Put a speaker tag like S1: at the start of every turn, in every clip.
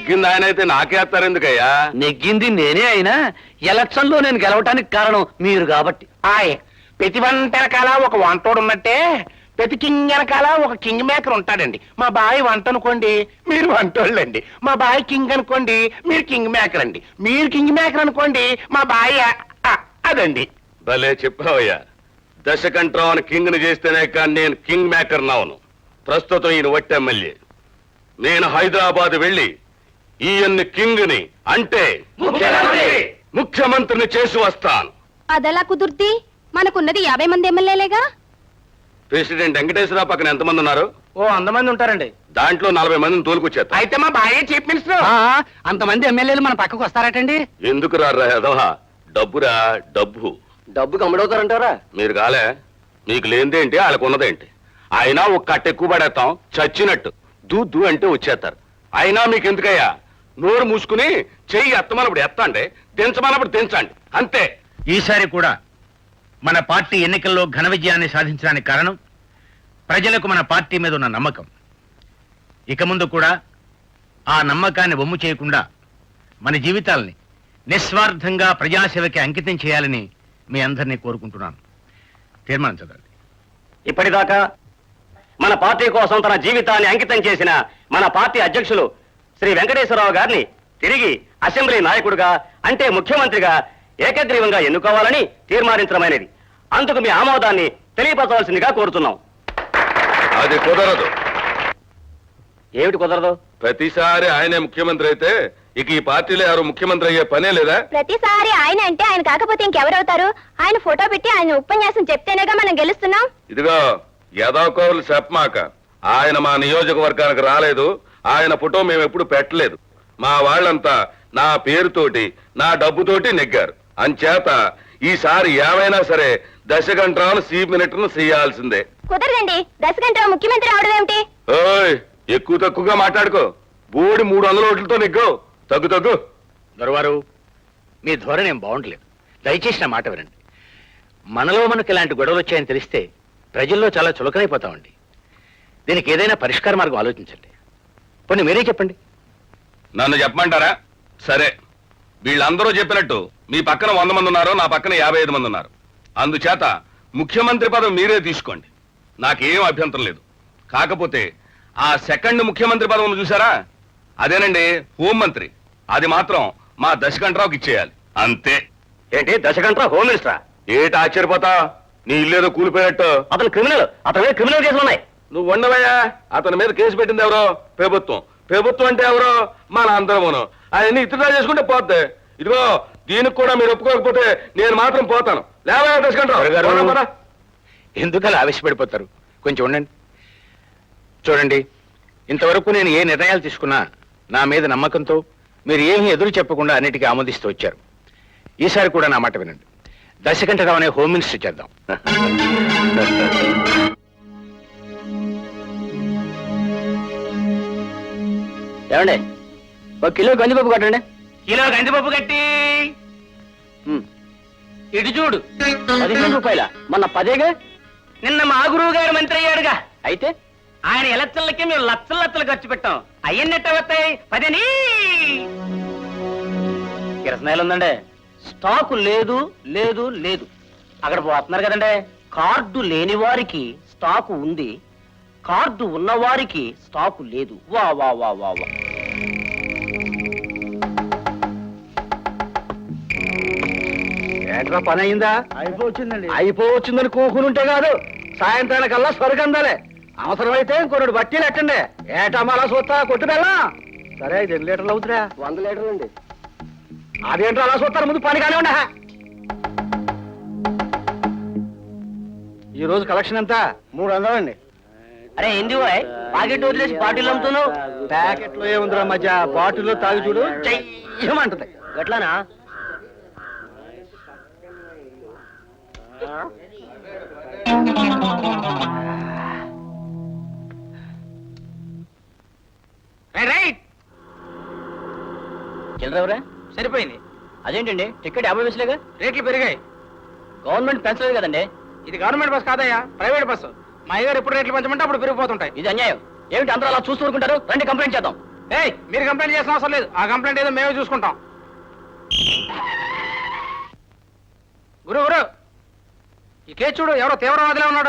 S1: నెగ్గింది ఆయన అయితే నాకేస్తారు ఎందుకయ్యా?
S2: నెగ్గింది నేనే అయినా ఎలక్షన్ లో నేను గెలవటానికి కారణం మీరు కాబట్టి.
S3: ప్రతి వంట వెనకాల ఒక వంటోడు ఉన్నట్టే ప్రతి కింగ్ వెనకాల ఒక కింగ్ మేకర్ ఉంటాడండి. మా బాయ్ వంట అనుకోండి, మీరు వంటోళ్ళండి. మా బాయ్ కింగ్ అనుకోండి, మీరు కింగ్ మేకర్ అండి. మీరు కింగ్ మేకర్ అనుకోండి, మా బాయ్ అదండి.
S1: భలే చెప్పావయ్యా. దశకంఠరావుని కింగ్ ని చేస్తేనే కానీ నేను కింగ్ మేకర్ నావను. ప్రస్తుతం ఈయన వట్టి ఎమ్మెల్యే. నేను హైదరాబాద్ వెళ్ళి ఈయన్ని కింగ్ ని అంటే ముఖ్యమంత్రిని చేసి వస్తాను.
S4: అదెలా కుదుర్తి? మనకున్నది 50 మంది ఎమ్మెల్యేలేగా.
S1: ప్రెసిడెంట్ వెంకటేశ్వరరావు పక్కన ఎంతమంది ఉన్నారు?
S2: ఓ 100 మంది ఉంటారండి.
S1: దాంట్లో 40 మందిని తోలుకొచ్చేస్తా.
S3: అయితే మా బాయ్ చీఫ్ మినిస్టర్.
S2: అంతమంది ఎమ్మెల్యేలు మన పక్కకు వస్తారటండి.
S1: ఎందుకు రారా ఎదవా? డబ్బురా డబ్బు.
S2: డబ్బుకి అమ్ముడవుతారంటారా?
S1: మీరు కాలే, మీకు లేనిదేంటి వాళ్ళకున్నదేంటి? అయినా ఒక కట్ట ఎక్కువ పడేస్తాం చచ్చినట్టు. దూ అంటే వచ్చేస్తారు. అయినా మీకు ఎందుకయ్యా? నోరు మూసుకుని చెయ్యి ఎత్తమన్నప్పుడు ఎత్తండి, దించమన్నప్పుడు దించండి, అంతే.
S5: ఈసారి కూడా మన పార్టీ ఎన్నికల్లో ఘన విజయాన్ని సాధించడానికి కారణం ప్రజలకు మన పార్టీ మీద ఉన్న నమ్మకం. ఇక ముందు కూడా ఆ నమ్మకాన్ని వమ్ము చేయకుండా మన జీవితాల్ని నిస్వార్థంగా ప్రజాసేవకి అంకితం చేయాలని మీ అందరినీ కోరుకుంటున్నాను. తీర్మానం చదవండి.
S2: ఇప్పటిదాకా మన పార్టీ కోసం తన జీవితాన్ని అంకితం చేసిన మన పార్టీ అధ్యక్షులు శ్రీ వెంకటేశ్వరరావు గారిని తిరిగి అసెంబ్లీ నాయకుడిగా అంటే ముఖ్యమంత్రిగా ఏకగ్రీవంగా ఎన్నుకోవాలని తీర్మానించడమైనది. అందుకు మీ ఆమోదాన్ని తెలియపరచవలసిందిగా కోరుతున్నాం.
S1: అది కుదరదు.
S2: ఏమిటి కుదరదు?
S1: ప్రతిసారి ఆయనే ముఖ్యమంత్రి అయితే ఇక ఈ పార్టీలో ఎవరు ముఖ్యమంత్రి అయ్యే పనే లేదా?
S4: ప్రతిసారి ఆయన అంటే ఆయన కాకపోతే ఇంకెవరవుతారు? ఆయన ఫోటో పెట్టి ఆయన ఉపన్యాసం చెప్తేనేగా మనం గెలుస్తున్నాం.
S1: ఇదిగో యదాకోవులు చెప్పమాక. ఆయన మా నియోజకవర్గానికి రాలేదు. ఆయన ఫోటో మేము ఎప్పుడు పెట్టలేదు. మా వాళ్ళంతా నా పేరుతోటి నా డబ్బుతోటి నెగ్గారు. అంచేత ఈసారి ఏమైనా సరే దశకంఠరావును చీఫ్ మినిస్టర్ను చేయాల్సిందే.
S4: కుదరదండి. దశకంఠరావు ముఖ్యమంత్రి అవడం ఏమిటి?
S1: ఓయ్, ఎక్కువ తక్కువగా మాట్లాడుకో. బోడి 300 ఓట్లతో నెగ్గు. తగ్గు.
S5: దొరవారు, మీ ధోరణి ఏం బాగుండలేదు. దయచేసి నా మాట వినండి. మనలో మనకు ఇలాంటి గొడవలు వచ్చాయని తెలిస్తే ప్రజల్లో చాలా చులకనైపోతామండి. దీనికి ఏదైనా పరిష్కార మార్గం ఆలోచించండి. పోనీ మీరే చెప్పండి.
S1: నన్ను చెప్పమంటారా? సరే, వీళ్ళందరూ చెప్పినట్టు మీ పక్కన 100 మంది ఉన్నారు, నా పక్కన 55 మంది ఉన్నారు. అందుచేత ముఖ్యమంత్రి పదవి మీరే తీసుకోండి. నాకేం అభ్యంతరం లేదు. కాకపోతే ఆ సెకండ్ ముఖ్యమంత్రి పదవిని చూసారా? అదేనండి హోంమంత్రి. అది మాత్రం మా దశకంఠరావుకి ఇచ్చేయాలి, అంతే.
S2: ఏంటి దశకంఠరావు హోమ్ మినిస్టరా?
S1: ఏటి ఆశ్చర్యపోతా? నీ ఇల్లేదో కూలిపోయినట్టు.
S2: అతను క్రిమినల్. అతని మీద క్రిమినల్ కేసులు ఉన్నాయి.
S1: నువ్వు ఉండవయ్యా. అతని మీద కేసు పెట్టింది ఎవరో? ప్రభుత్వం. ప్రభుత్వం అంటే ఎవరో? మన అందరమును. ఆయన్ని ఇతరులా చేసుకుంటే పోద్ది. ఇదిగో దీనికి కూడా మీరు ఒప్పుకోకపోతే నేను మాత్రం పోతాను. లేవయ్యా దశకంఠరావు.
S5: ఎందుకలా ఆవేశపడిపోతారు? కొంచెం ఉండండి. చూడండి, ఇంతవరకు నేను ఏ నిర్ణయాలు తీసుకున్నా నా మీద నమ్మకంతో మీరు ఏమీ ఎదురు చెప్పకుండా అన్నిటికీ ఆమోదిస్తూ వచ్చారు. ఈసారి కూడా నా మాట వినండి. దశకంఠరావు అనే హోమ్ మినిస్టర్ చేద్దాం.
S2: ఏమండి, 1 కిలో గంజిపప్పు కట్టండి.
S3: కిలో గంజిపప్పు కట్టి ఇటు చూడు.
S2: 15 రూపాయల? మొన్న 10గా.
S3: నిన్న మా గురువు గారు మంత్రి అయ్యాడుగా.
S2: అయితే
S3: ఆయన ఎలక్షన్లకి మేము లక్షలు ఖర్చు పెట్టాం. అయ్యన్నట్టు వస్తాయి 10.
S2: కిరసనాయలు ఉందండి. స్టాకు లేదు లేదు లేదు. అక్కడ పోతున్నారు కదండి. కార్డు లేని వారికి స్టాకు ఉంది, కార్డు ఉన్నవారికి స్టాకు లేదు. వా వా వా వా వా.
S3: ఏంట్రా పని అయిందా? అయిపోవచ్చిందని కూకునుంటే కాదు, సాయంత్రానికల్లా స్వర్గందాలే. అవసరమైతే ఇంకొన్ని బట్టీలు ఎట్టండి. ఏటమ్మా అలా చూస్తా కొట్టు బెల్లా. సరే 5 లీటర్లు అవుతురా?
S2: 100 లీటర్లు అండి.
S3: అదేంటో అలా చూస్తారు, ముందు పని కానివ్వండి. ఈ రోజు కలెక్షన్ ఎంత? 300 అండి.
S2: అరే ఏంది పాకెట్ వదిలేసి బాటిల్ అమ్ముతున్నావు?
S3: ప్యాకెట్లో ఏముందిరా మధ్య, బాటిల్లో తాగి చూడు చెయ్యమంటది.
S2: గట్లానా?
S3: రైట్
S2: చిల్లరెవరా?
S3: సరిపోయింది.
S2: అదేంటండి, టికెట్ 50 పైసలేగా?
S3: రేట్లు పెరిగాయి.
S2: గవర్నమెంట్ పెంచలేదు కదండి.
S3: ఇది గవర్నమెంట్ బస్ కాదయ్యా, ప్రైవేట్ బస్సు. మా అయ్యగారు ఎప్పుడు రేట్లు పెంచమంటే అప్పుడు పెరిగిపోతుంటాయి.
S2: ఇది అన్యాయం. ఏమిటి అందరూ అలా చూస్తూ ఊరుకుంటారు? రండి కంప్లైంట్ చేద్దాం.
S3: ఏయ్ మీరు కంప్లైంట్ చేసిన అవసరం లేదు, ఆ కంప్లైంట్ ఏదో మేమే చూసుకుంటాం. గురు గురు ఈ కేసు చూడు, ఎవరో తీవ్రవాదిలో ఉన్నాడు.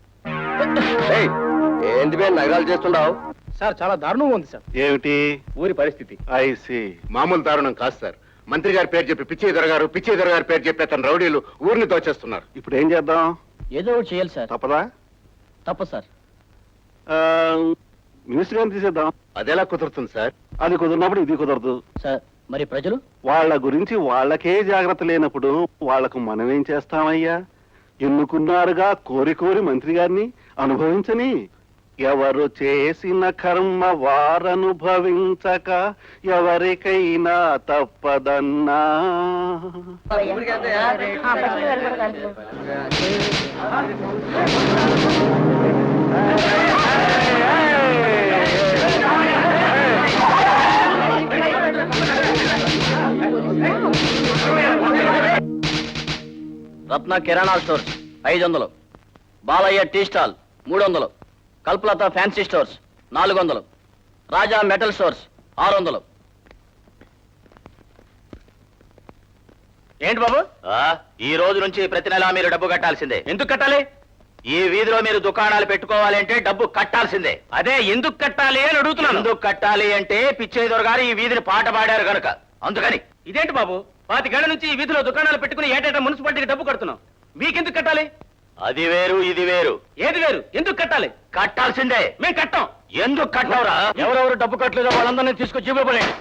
S2: ఏంటి మేము నగరాలు చేస్తుండవు?
S3: సార్ చాలా దారుణంగా ఉంది సార్
S6: ఏమిటి
S3: ఊరి పరిస్థితి.
S6: ఐసి మామూలు దారుణం కాదు సార్. మంత్రి గారి పేరు చెప్పి పిచ్చయ్య గారి పేరు చెప్పి అతను రౌడీలు ఊరిని దోచేస్తున్నారు. ఇప్పుడు ఏం చేద్దాం?
S2: ఏదో ఒకటి చేయాలి సార్.
S6: తప్పదా?
S2: తప్ప సార్.
S6: మినిస్టర్ గారిని తీసేద్దాం. అదెలా కుదురుతుంది సార్? అది కుదిరినప్పుడు ఇది కుదరదు
S2: సార్ మరి ప్రజలు?
S6: వాళ్ళ గురించి వాళ్ళకే జాగ్రత్త లేనప్పుడు వాళ్లకు మనం ఏం చేస్తామయ్యా? ఎన్నుకున్నారుగా కోరి కోరి మంత్రి గారిని, అనుభవించని. ఎవరు చేసిన కర్మ వారనుభవించక ఎవరికైనా తప్పదన్నా.
S2: Ratna kirana stores 500, Balayya tea stall 300, Kalpalatha fancy stores 400, Raja metal stores 600. ఏంటి బాబు? ఈ రోజు నుంచి ప్రతి నెలా మీరు డబ్బు కట్టాల్సిందే. ఎందుకు కట్టాలి? ఈ వీధిలో మీరు దుకాణాలు పెట్టుకోవాలి అంటే డబ్బు కట్టాల్సిందే. అదే ఎందుకు కట్టాలి అని అడుగుతున్నాను. ఎందుకు కట్టాలి అంటే పిచ్చయ్య దొరగారు ఈ వీధిని పాట పాడారు కనుక, అందుకని. ఇదేంటి బాబు, 5 గంటల నుంచి ఈ వీధిలో దుకాణాలు పెట్టుకుని ఏటేటా మున్సిపాలిటీకి డబ్బు కడుతున్నాం, మీకెందుకు కట్టాలి? అది వేరు ఇది వేరు. ఏది వేరు? ఎందుకు కట్టాలి? కట్టాల్సిందే. మేము కట్టాం. ఎందుకు కట్టావురా? ఎవరెవరు డబ్బు కట్టలేదో వాళ్ళందరినీ తీసుకొచ్చి జీబులో పడేయండి.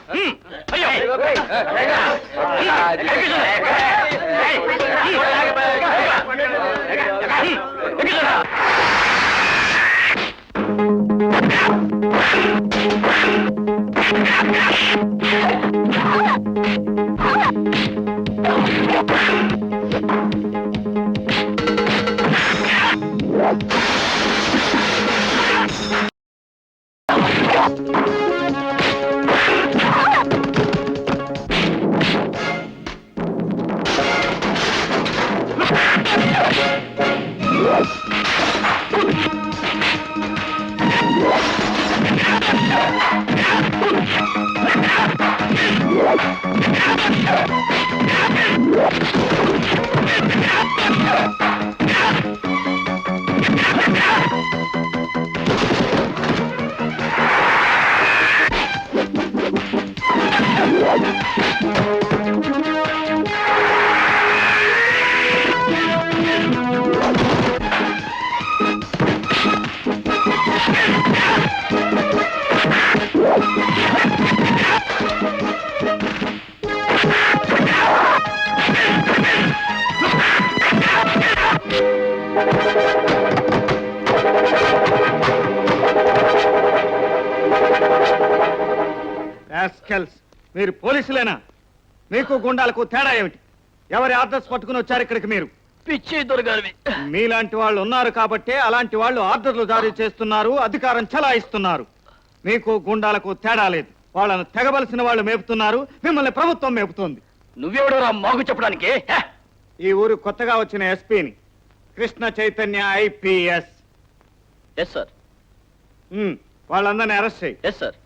S7: మీరు పోలీసులేనా? మీకు గుండాలకు తేడా ఏమిటి? ఎవరి ఆర్డర్స్ పట్టుకుని వచ్చారు ఇక్కడికి మీరు?
S2: పిచ్చయ్య దొరగారివి.
S7: మీలాంటి వాళ్ళు ఉన్నారు కాబట్టే అలాంటి వాళ్ళు ఆర్డర్లు జారీ చేస్తున్నారు, అధికారం చలాయిస్తున్నారు. మీకు గుండాలకు తేడా లేదు. వాళ్ళను తెగవలసిన వాళ్ళు మేపుతున్నారు, మిమ్మల్ని ప్రభుత్వం మేపుతోంది.
S2: నువ్వెవడోరా మాకు చెప్పడానికి?
S7: ఈ ఊరు కొత్తగా వచ్చిన ఎస్పీని, Krishna Chaitanya IPS.
S2: Yes sir.
S7: వాళ్ళందరినీ అరెస్ట్ చేయి.
S2: Yes sir.